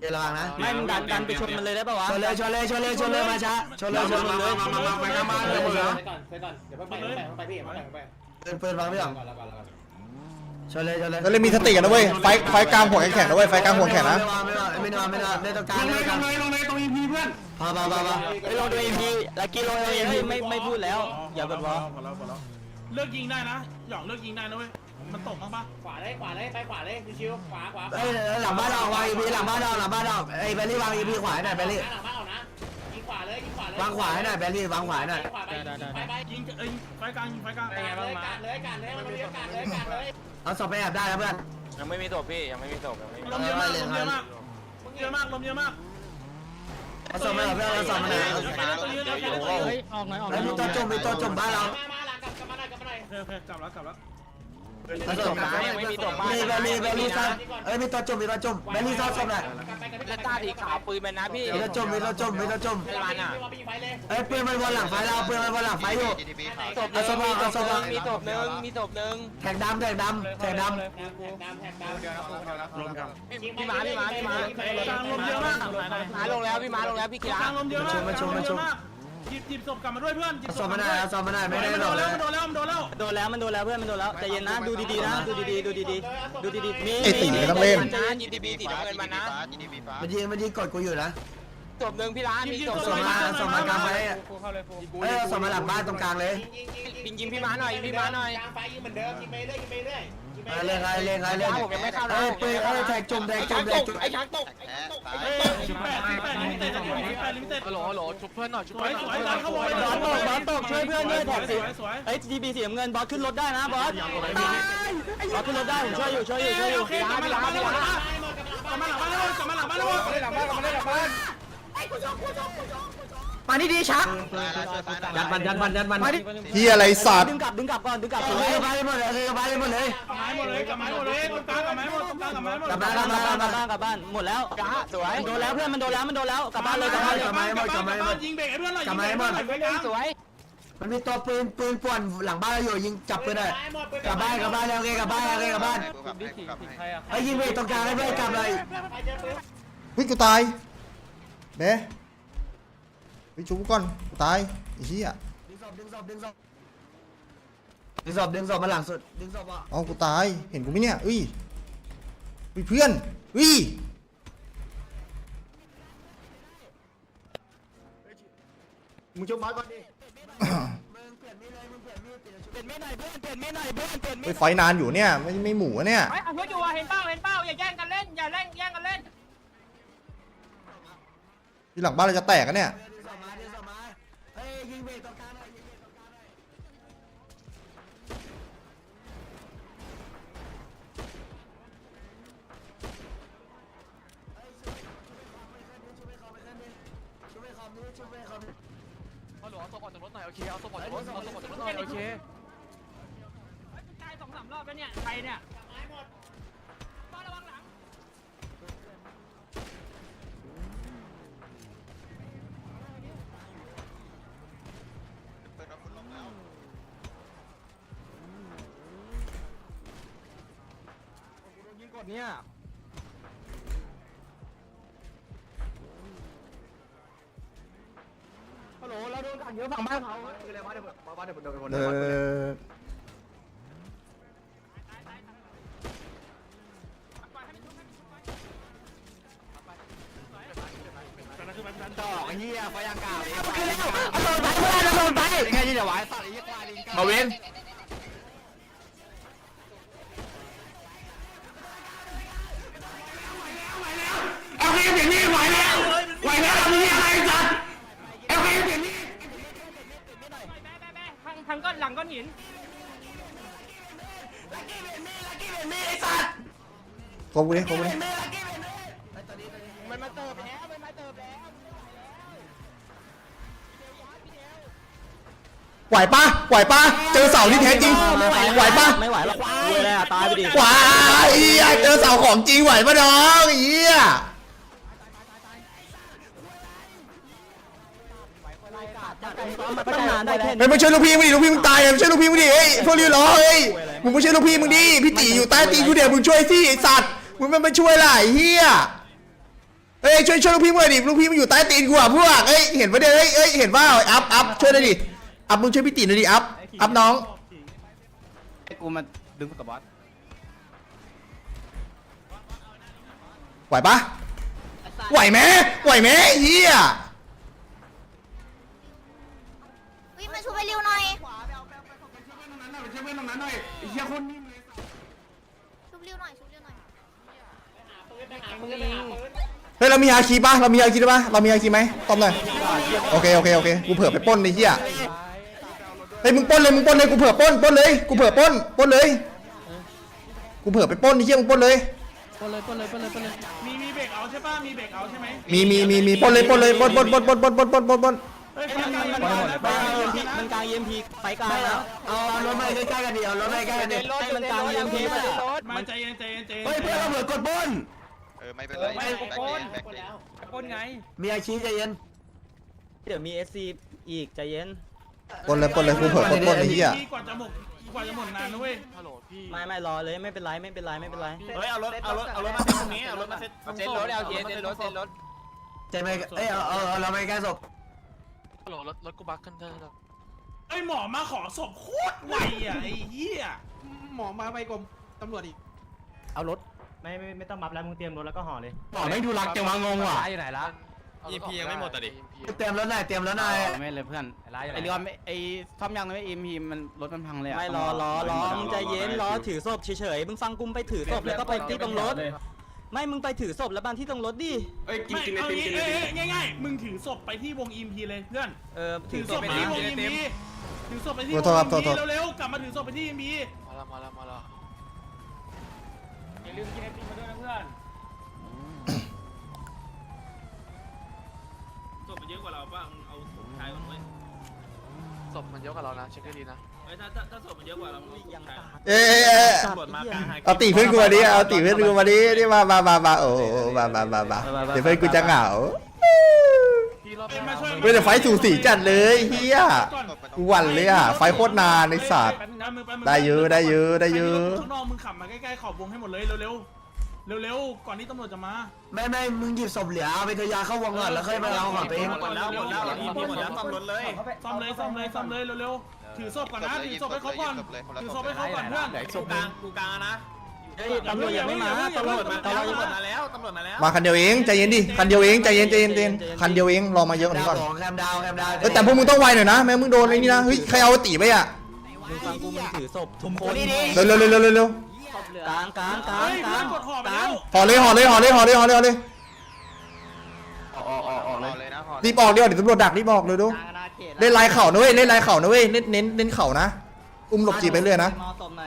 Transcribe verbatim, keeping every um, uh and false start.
อย่าระวังนะไม่มึงดันดันไปชนมันเลยได้ป่าวะชนเลยชนเลยชนเลยชนเลยมาช้าชนเลยชนเลยมามามาไปกันมาเลยไปก่อนไปก่อนเดี๋ยวไปไปไปพี่ไปไปปืนปืนวางไม่หรอกชนเลยชนเลยแล้วเลยมีสติกันนะเว้ยไฟไฟกลางหัวแข็งนะเว้ยไฟกลางหัวแข็งนะไม่วางไม่วางไม่วางไม่วางไม่ต้องการลงไม่เลยต้องลการงเลยลงเลยตรงอีพีเพื่อนพอพอพอพอไปลงดูเอ็มพีลักกี้ลงเอ็มพีไม่ไม่พูดแล้วอย่าบ่นวะพอแล้วพอแล้วเลิกยิงได้นะหยองเลิกยิงได้นะเว้ยมันตกบ้างปะขวาเลยขวาเลยไปขวาเลยชิวขวาขวาเอ้ยหลังบ้านเราวางอีพีหลังบ้านเราหลังบ้านเราไอ้เบลลี่วางอีพีขวาหน่อยเบลลี่หลังบ้านเอานะยิงขวาเลยยิงขวาเลยวางขวาหน่อยเบลลี่วางขวาหน่อยขวาไปไปไปยิงเอ้ยไฟกลางยิงไฟกลางการเลยการเลยการเลยมันเรียกการเลยการเลยเอาศพไปแอบได้แล้วเพื่อนยังไม่มีศพพี่ยังไม่มีศพยังไม่มีลมเยอะมากลมเยอะมากเยอะมากลมเยอะมากเอาศพมาเพื่อนเอาศพมาหน่อยไปเล่นตัวยืนแล้วไปเล่นตัวยืนเฮ้ยออกหน่อยออกหน่แล้อวย มีตัวจมมีตัวจมบ้านเรามามาหลังกลับกลับมาหน่อยกลับมาหน่อยโอเคกลับแล้วกลับแล้วเอาศพมามีเบลลี่เบลลี่ซ่อนเอ้ยมีตัวจมมีตัวจมเบลลี่ซ่อนศพหน่อยกลับไปกันแล้วตาสีขาวปืนมันนะพี่มีตัวจมมีตัวจมมีตัวจมไม่วันอ่ะไม่วันไปยิงไฟเลยเอ้ยปืนมันวนหลังไฟเราปืนมันวนหลังไฟอยู่ศพหนึ่งมีศพหนึ่งมีศพหนึ่งมีศพหนึ่งแท็กดำแท็กดำแท็กดำแท็กดำแท็กดำลมกันพี่ม้าพี่ม้าพี่ม้ากลางลมเยอะมากม้าลงแล้วพี่ม้าลงแล้วพี่กีฬากลางลมเยอะมากเยอะมากหยิบหยิบศพกลับมาด้วยเพื่อนหยิบเอาศพมาหน่อยเอาศพมาหน่อยไม่ได้มันหรโดอกนเลแล้วยมันโดนแล้วมันโดนแล้วโดนแล้วมันโดนแล้วเพื่อนมันโดนแล้วใจเย็นนะดูดีๆนะดูดีๆดูดีๆดูดีๆมีนะ จีทีบีสีน้ำเงินมันนะมันยิงมันยิงกดกูอยู่นะศพหนึ่งพี่ร้านมีศพส่งมาส่งมากลางไฟเอ้ยส่งมาหลังบ้านตรงกลางเลยยิงยิงพี่ม้าหน่อยพี่ม้าหน่อยกลางไฟยิงเหมือนเดิมยิงไปเรื่อยยิงไปเรื่อยยิงไปเล่นไรเล่นไรเล่นผมยังไม่เข้านะเอ้ยปืนเอ้ยแท็กจุ่มแท็กจุ่มแท็กจุ่มไอ้ช้างตกเอ้ยสิบแปดสิบแปดลิมิเต็ดสิบแปดลิมิเต็ดฮัลโหลฮัลโหลชุบเพื่อนหน่อยชุบสวยเพื่อนหน่อยสวยดันเข้าวงบอสตกบอสตกช่วยเพื่อนด้วยแท็กสิสวยเอ้ยทีบีสีน้ำเงินบอสขึ้นรถได้นะบอสบอสขึ้นรถได้ผมช่วยอยู่ช่วยอยู่ช่วยอยู่โอเคกลับมาหลังบ้านแล้วกลับมาหลังบ้านแล้วกลับมาหลังบ้านแล้วหลังบ้านกลับมาหลังบ้านมานี่ดีชักยัดมันยัดมันยัดมันเฮียอะไรสัตว์ดึงกลับดึงกลับก่อนดึงกลับเอ้ยไปหมดเลยไปหมดเลยกลับไม้หมดเลยกลับไม้หมดเลยตรงกลางกลับไม้หมดตรงกลางกลับไม้หมดกลับกมาลับกลับบ้านมากลัลับบ บ้านกลับบ้านหมดแล้วกะสวยมันโดนแล้วเพื่อนมันโดนแล้วมันโดนแล้วกลับบ้านเลยกลับบ้านเลยกลับบ้านกลับบ้านยิงเบรกให้เพื่อนหน่อยยิงเบรกให้เพื่อนหน่อยไปกลางสวยมันมีตัวปืนปืนป่วนหลังบ้านเราอยู่ยิงจับปืนเลยกลับบ้านกลับบ้านแล้วโอเคกลับบ้านโอเคกลับบ้านไอ้ยิงไปตรงกลางให้เพื่อนกลับเลยไปเจอปืนวิ่งกูตายเด้ไปชุบก่อนกูตายไอ้เหี้ยดึงศพดึงศพดึงศพดึงศพดึงศพมาหลังสุดดึงศพอ่ะเอากูตายเห็นกูไหมเนี่ยอุ้ยอุ้ยเพื่อนอุ้ยมึงชุบมาก่อนดิเปลี่ยนไม่หน่อยเพื่อนเปลี่ยนไม่หน่อยเพื่อนเปลี่ยนไม่ไปไฟนานอยู่เนี่ยไม่ไม่หมูอะเนี่ยไอ้เอาเพื่อนอยู่อ่ะเห็นเป้าเห็นเป้าอย่าแย่งกันเล่นอย่าเล่นแย่งกันเล่นที่หลังบ้านเราจะแตกกันเนี่ยดึงศพมาดึงศพมาเฮ้ยยิงเบรกตรงกลางหน่อยยิงเบรกตรงกลางหน่อยช่วยคอมดิช่วยคอมดิฮัลโหลเอาศพออกจากรถหน่อยโอเคเอาศพออกจากรถเอาศพออกจากรถหน่อยโอเคตายสองสามรอบแล้วเนี่ยใครเนี่ยไม้หมดป้าระวังหลังยิงกดเนี่ย ฮัลโหลเราโดนขังเยอะฝั่งบ้านเขาเออดอกเฮียไฟยางกาวเอาไปแล้วเอาโดนไปเพื่อนเอาโดนไปยังไงที่จะไหวสัตว์ไอ้เหี้ยควายลิงกัมาเว้น โอเคเสียงนี่ไหวแล้วไหวแล้วมีอะไรจัดโอเคเสียงนี่แบ๊ะแบ๊ะแบ๊ะทางทางก้อนหลังก้อนหินโกงกูดิโกงกูดิมันมาเติบแล้วมันมาเติบแล้วไหวปะไหวปะเจอเสาที่แท้จริงไหวปะไม่ไหวหรอกเว้ยเลยอ่ะตายไปดิไหวเฮียเจอเสาของจริงไหวปะน้องเฮียตั้งนานได้แค่ไม่มาช่วยลูกพี่มึงดิลูกพี่มึงตายอ่ะช่วยลูกพี่มึงดิเฮ้ยพวกนี้รอเฮ้ยมึงมาช่วยลูกพี่มึงดิพี่ตีอยู่ใต้ตีนกูเดี๋ยวมึงช่วยสิไอ้สัตว์มึงไม่มาช่วยล่ะไอ้เฮียฮ้ยช่วยช่วยลูกพี่หน่อยดิลูกพี่มันอยู่ใต้ตีนกูอ่ะพวกเอ้ยเห็นปะเนี่ยเฮ้ยเอ้ยเห็นว่าอัพอัพช่วยหน่อยดิอัพมึงช่วยพี่ตีหน่อยดิอัพอัพน้องไอ้กูมาดึงกับบอสไหวปะไหวไหมไหวไหมเฮียวิ่งมาช่วยไปเร็วหน่อยช่วยเพื่อนตรงนั้นหน่อยไอ้เหี้ยคนนิ่มเลยชุบเร็วหน่อยชุบเร็วหน่อยไปหาปืนไปหาปืนเฮ้ยเรามีฮาคีปะเรามีฮาคีได้ปะเรามีฮาคีไหมตอบหน่อยโอเคโอเคโอเคกูเผื่อไปปล้นไอ้เหี้ยเฮ้ยมึงปล้นเลยมึงปล้นเลยกูเผื่อปล้นปล้นเลยกูเผื่อปล้นปล้นเลยกูเผื่อไปปล้นไอ้เหี้ยมึงปล้นเลยมีมีเบรกเอาใช่ป่ะมีเบรกเอาใช่ไหมมีมีมีมีปล้นเลยปล้นเลยปล้นปล้นปล้นปล้นปล้นปล้นปล้นปล้นปล้นเฮ้ยมันมันมันมันมันกลางเอ็มพีไปกลางแล้วเอารถมาใกล้ๆกันดิเอารถมาใกล้ๆกันดิให้มันกลางเอ็มพีมามันใจเย็นใจเย็นใจเย็นเฮ้ยเพื่อนเราเผื่อกดบนเออไม่เป็นไรแบ็คเกนแบ็คเกนปนไงมีอาชีพใจเย็นเดี๋ยวมีเอสซีอีกใจเย็นปล้นเลยปล้นเลยกูเผื่อปล้นปล้นไอ้เหี้ยกว่าจะหมดกว่าจะหมดนานนะเว้ยฮัลโหลพี่ไม่ไม่รอเลยไม่เป็นไรไม่เป็นไรไม่เป็นไรเฮ้ยเอารถเอารถเอารถมาเซ็ตตรงนี้เอารถมาเซ็ตเซ็นรถเอาเซ็นรถเซ็นรถใจไหมเอ้ยเอาเอาเอาเราไปใกล้ศพฮัลโหลรถรถกูบักขึ้นเถอะไอ้หมอมาขอศพโคตรไวอ่ะไอ้เหี้ยหมอมาไปกรมตำรวจอีกเอารถไม่ไม่ไม่ต้องมับแล้วมึงเตรียมรถแล้วก็ห่อเลยบอกไม่ดูรักจังวะงงว่ะอยู่ไหนละอีพียังไม่หมดอ่ะดิเตรียมรถหน่อยเตรียมรถหน่อยไม่เลยเพื่อนไอเรือไอซ่อมยังไม่เอ็มพีมันรถมันพังเลยไม่รอรอรอมึงใจเย็นรอถือศพเฉยๆมึงฟังกูไปถือศพแล้วก็ไปที่ตรงรถไม่มึงไปถือศพแล้วบานที่ตรงรถดิเอ้ยกินกินไอติมกินไอติมง่ายๆมึงถือศพไปที่วงอิมพีเลยเพื่อนเออถืถืออศศพพไปไปที่ที่วงอิมพีถือศพไปที่วงโทษครับโทอิษมโทษพีเร็วๆกลับมาถือศพไปที่อิมพีมาแล้วมาแล้วมาแล้วอย่าลืมกินไอติมมาด้วยนะเพื่อนศพมันเยอะกว่าเราป่ะเอาศพชายมันไว้ศพมันเยอะกว่าเรานะเช็คให้ดีนะถ้าถ้าถ้าศพมันเยอะกว่าเราเอาศพชายเอ้ยเอ้ยเอ้ยตำรวจมากลางหาเอาตีเพื่อนกูมาดิเอาตีเพื่อนกูมาดินี่มามามามาโอ้โหมามามามาเดี๋ยวเพื่อนกูจะเหงาพี่รอบมาช่วยเว้ยแต่ไฟสูสีจัดเลยเฮียกูหวั่นเลยอ่ะไฟโคตรนานในสัตว์ได้เยอะได้เยอะได้เยอะข้างนอกมึงขับมาใกล้ๆขอบวงให้หมดเลยเร็วๆเร็วๆก่อนที่ตำรวจจะมาไม่ไม่มึงหยิบศพเหลือเอาไปทยาเข้าวงก่อนแล้วค่อยมาเอาของตัวเองหมดแล้วหมดแล้วอีพีหมดแล้วซ่อมรถเลยซ่อมเลยซ่อมเลยซ่อมเลยเร็วๆถือศพก่อนนะถือศพให้เขาก่อนถือศพให้เขาก่อนเพื่อนศพกลางกูกลางนะตำรวจยังไม่มาตำรวจมาตำรวจมาแล้วตำรวจมาแล้วมาคันเดียวเองใจเย็นดิคันเดียวเองใจเย็นใจเย็นใจเย็นคันเดียวเองรอมาเยอะกว่าดานี้วก่อนของแคมดาวแคมดาวเออแต่พวกมึงต้องไวหน่อยนะแม่มึงโดนไอ้นี่นะเฮ้ยใครเอาตีไปอ่ะมึงฟังกูมึงถือศพทุกคนเร็วเร็วเร็วเร็วเร็วเร็วกลางกลางกลางเฮ้ยกลาเพื่อนงกดห่อไปกลาแล้งวห่อเลยห่อเลยห่อเลยห่อเลยห่อเลยห่อเลยออกออกออกเลยนะรีบออกเดี๋ยวเดี๋ยวตำรวจดักรีบออกเลยดูเล่นลายเข่านะเว้ยเล่นลายเข่านะเว้ยเน้นเน้นเน้นเข่านะอุ้มหลบจีบไปเรื่อยนะมอศพหน่อย